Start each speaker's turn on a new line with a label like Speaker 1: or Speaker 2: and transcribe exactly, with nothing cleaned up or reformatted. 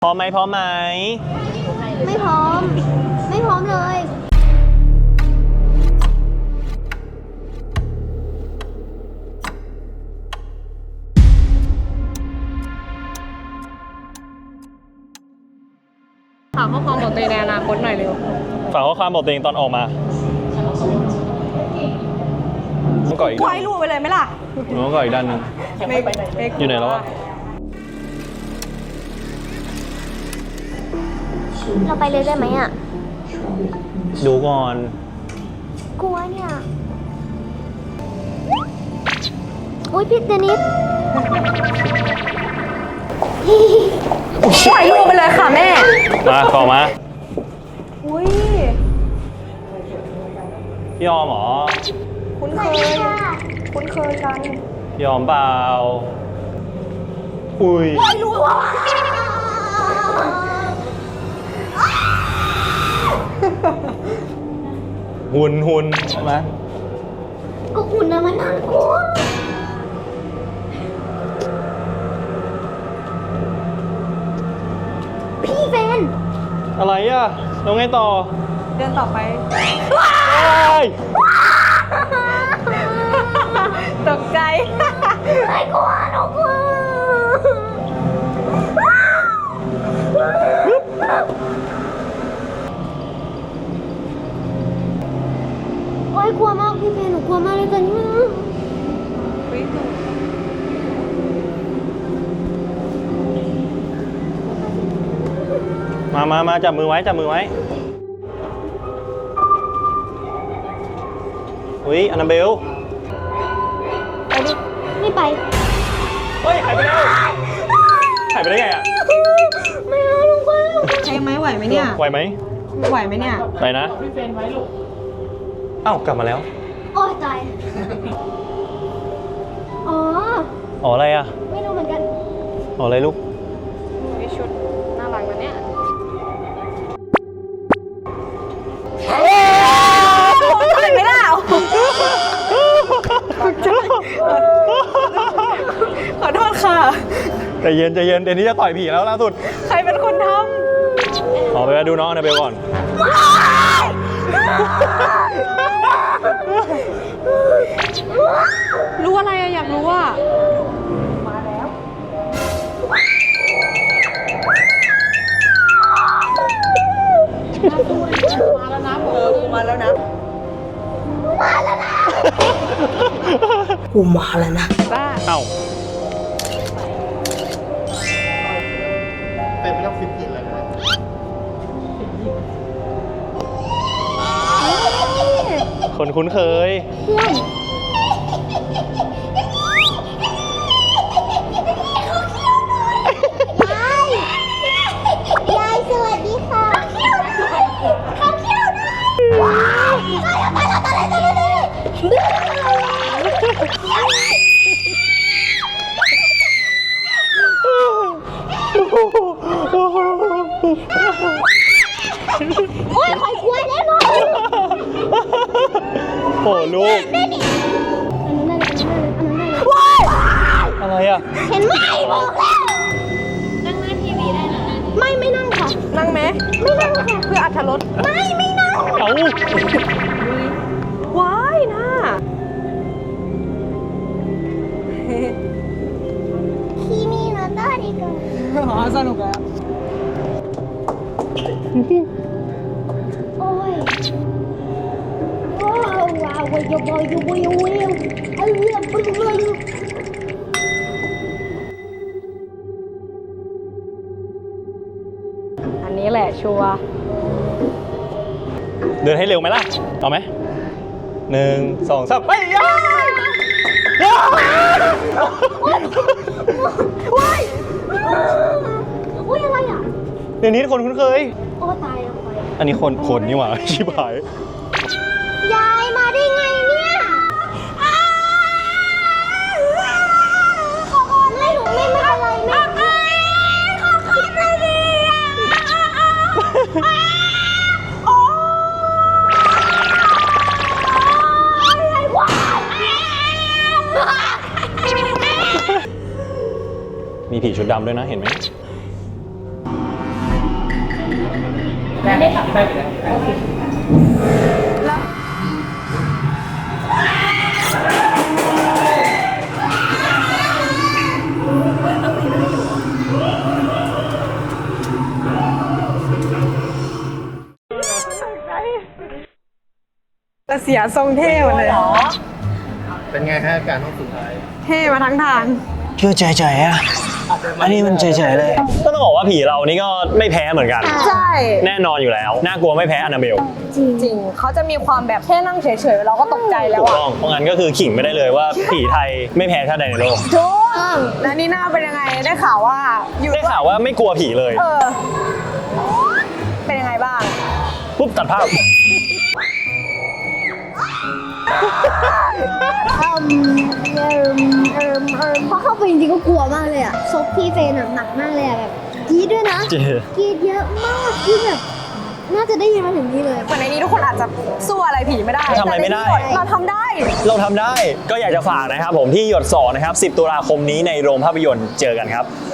Speaker 1: พร้อมไหมพร้อมไหม
Speaker 2: ไม่พร้อมไม่พร้อมเลย
Speaker 3: ฝากข้อความบอกตัวเองในอนาคตหน่อยเร็ว
Speaker 1: ฝากข้อความบอกตัวเองตอนออกมาต้องก่ออีกด้าน
Speaker 3: ไว้รูไปเลยไหมล่ะ
Speaker 1: ต้องก่ออีกด้านนึงอยู่ไหนแล้วอะ
Speaker 2: เราไปเลยได้ไหมอ่ะ
Speaker 1: ดูก่อน
Speaker 2: กลัวเนี่ยอุ้ยพี่เดนิส
Speaker 3: ปล่อยลูกไปเลยค่ะแม่
Speaker 1: มาต่อมา
Speaker 3: อุ้ย
Speaker 1: พี่ออมเหรอ
Speaker 3: คุ้นเคยคุ้นเคยกัน
Speaker 1: พี่ออมเปล่าอุ้ย
Speaker 3: ปล่อยลูกว่ะ
Speaker 1: หุ่นหุ่นใช่ไหม
Speaker 2: ก็หุ่นนะมันน่ากลัวพี่เฟน
Speaker 1: อะไรอ่ะแล้วไงต่อ
Speaker 3: เดินต่อไปตกใจ
Speaker 2: ไม่กลัวหนูกลัวโอ๊ยกลัวมากพี่เฟนหนูกลัวมากเลยตอนนี้
Speaker 1: มามามาจับมือไว้จับมือไว้อุ้ยอันนาเบล
Speaker 2: ไปดิไม่ไป
Speaker 1: เฮ้ยหายไปแล้วหายไปได้ไงอ่ะ
Speaker 2: ไม่เอาลูกไป
Speaker 3: ใช่ไหมไหวไหมเนี่ย
Speaker 1: ไหวไหม
Speaker 3: ไหวไหมเนี่ย
Speaker 1: ไปนะพี่เฟนไว้ลูกเอ้ากลับมาแล้ว
Speaker 2: โอ้ตายอ๋อ
Speaker 1: อ๋ออะไรอ่ะ
Speaker 2: ไม่รู้เหมือนกัน
Speaker 1: อ๋ออะไรลูก
Speaker 3: มีชุดน่ารักนะเนี่ยเห็นไหมล่ะขอโทษค่ะ
Speaker 1: ใจเย็นใจเย็นเดี๋ยวนี้จะต่อยผีแล้วล่าสุด
Speaker 3: ใครเป็นคนท
Speaker 1: ำขอไปดูน้องอันนาเบลก่อน
Speaker 3: รู้อะไรอะอยากรู้ว่ามาแล้วมาแล้วนะเออมาแล้วนะ
Speaker 2: มาแล้วนะ
Speaker 3: กูมาแล้วนะบ้า
Speaker 1: เอ้า
Speaker 4: เป็นไม่ต้องฟิตกินแล้วนะ
Speaker 1: คนคุ้นเคย
Speaker 2: ยายยายสวัสดีค่ะข้าวเขี้ยวด้วยว้าวตายแล้วตายแล้วตายแล้วตายแล้วโอ้ยคอยกลัวแน่นอน
Speaker 1: โอ้ลูก
Speaker 2: อันนั้นได้เลยอันนั้นได้เลยว้าว
Speaker 1: อะไรอ่ะ
Speaker 2: เห็นไหมบอกแล้วนั่งหน้าทีวีได้นะไม่ไม่นั่งค่ะ
Speaker 3: นั่งไหม
Speaker 2: ไม่นั่งค่ะ
Speaker 3: เพื่ออรรถรส
Speaker 2: ไม่ไม่นั่ง
Speaker 1: เอ้า
Speaker 3: ว้ายน่า
Speaker 2: คีมีโนโตะดิโก
Speaker 3: อ๋อสนุกแล้ว
Speaker 2: โอ้ยว้าวว้าวว้าวว้าวว้าวว้าวว้าวเอาเรื่องไปเลย
Speaker 3: อันนี้แหละชัวร์
Speaker 1: เดินให้เร็วไหมล่ะเอาไหมหนึ่งสองสามไปย่าย่า
Speaker 2: ว้ายอุ้ยอะไรอ่ะ
Speaker 1: เดี๋ยวนี้คนคุ้นเคย
Speaker 2: โอ้ตายแล้ว
Speaker 1: อันนี้คนคนนี่หว่าชิบหาย
Speaker 2: ยายมาได้ไงเนี่ยขอขอไม่หนูไม่ไม่อะไรไม่ขอขอหน่อยดิโอ้ยว้าว
Speaker 1: มีผีชุดดำด้วยนะเห็นไหม
Speaker 3: แต่เสียทรงเท่หมดเลย
Speaker 1: เป็นไงฮะการห้องสุดท้าย
Speaker 3: เท่มาทั้งทาง
Speaker 4: ชื่อเฉยๆอ่ะ อันนี้มันเฉยๆเลย
Speaker 1: ก็ต้องบอกว่าผีเรานี่ก็ไม่แพ้เหมือนกัน
Speaker 3: ใช่
Speaker 1: แน่นอนอยู่แล้ว น่ากลัวไม่แพ้อนาเบล
Speaker 3: จริงเขาจะมีความแบบแค่นั่งเฉยๆเราก็ตกใจแล้
Speaker 1: ถู
Speaker 3: ว
Speaker 1: ก
Speaker 3: อะ
Speaker 1: ต้อง เพราะงั้นก็คือขิงไม่ได้เลยว่าผีไทยไม่แพ้ชาติใดในโลก
Speaker 3: ทุกแล้วนี่หน้าเป็นยังไงได้ข่าวว่าอยู่
Speaker 1: ได้ข่าวว่าไม่กลัวผีเลย
Speaker 3: เออ เป็นยังไงบ้าง
Speaker 1: ปุ๊บตัดภาพ
Speaker 2: เอิมเอิมเอิมเอิมพอเข้าไปจริงๆก็กลัวมากเลยอะซบพี่เฟนหนักมากเลยอะแบบกรีดด้วยนะ
Speaker 1: จริง
Speaker 2: กรีดเยอะมากที่แบบน่าจะได้ยินมาถึงนี่เลย
Speaker 3: เหมือนในนี้ทุกคนอาจจะสู้อะไรผีไม่ได้
Speaker 1: ทำอะไรไม่ได้
Speaker 3: แต่ในนี้เราทำได้
Speaker 1: เราทำได้ ก็อยากจะฝากนะครับผมที่หยดสองนะครับสิบตุลาคมนี้ในโรงภาพยนตร์เจอกันครับ